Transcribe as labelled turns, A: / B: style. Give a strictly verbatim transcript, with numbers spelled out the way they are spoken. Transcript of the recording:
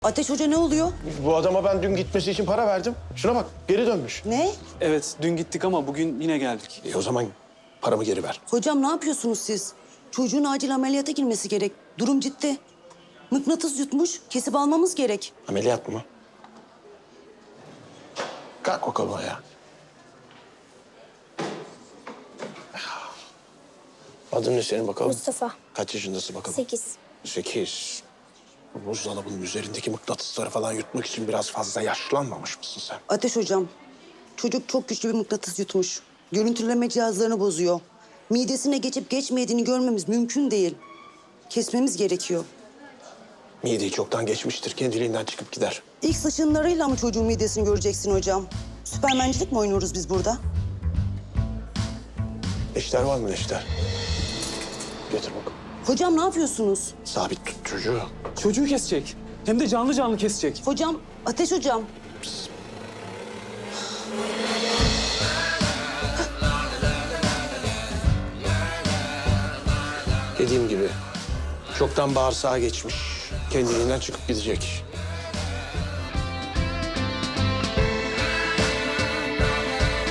A: Ateş Hoca ne oluyor?
B: Bu adama ben dün gitmesi için para verdim. Şuna bak, geri dönmüş.
A: Ne?
C: Evet, dün gittik ama bugün yine geldik.
B: E o zaman paramı geri ver.
A: Hocam ne yapıyorsunuz siz? Çocuğun acil ameliyata girmesi gerek. Durum ciddi. Mıknatıs yutmuş. Kesip almamız gerek.
B: Ameliyat mı? Kalk bakalım ayağa. Adın ne senin bakalım?
D: Mustafa.
B: Kaç yaşındasın bakalım?
D: Sekiz.
B: Sekiz. Bu buzdolabının üzerindeki mıknatısları falan yutmak için biraz fazla yaşlanmamış mısın sen?
A: Ateş Hocam, çocuk çok güçlü bir mıknatıs yutmuş. Görüntüleme cihazlarını bozuyor. Midesine geçip geçmediğini görmemiz mümkün değil. Kesmemiz gerekiyor.
B: Mideyi çoktan geçmiştir. Kendiliğinden çıkıp gider.
A: İlk ışınlarıyla mı çocuğun midesini göreceksin hocam? Süpermencilik mi oynuyoruz biz burada?
B: Neşter var mı neşter? Getir bakalım.
A: Hocam ne yapıyorsunuz?
B: Sabit tut çocuğu.
C: Çocuğu kesecek. Hem de canlı canlı kesecek.
A: Hocam, Ateş Hocam.
B: Dediğim gibi çoktan bağırsağa geçmiş. Kendiliğinden çıkıp gidecek.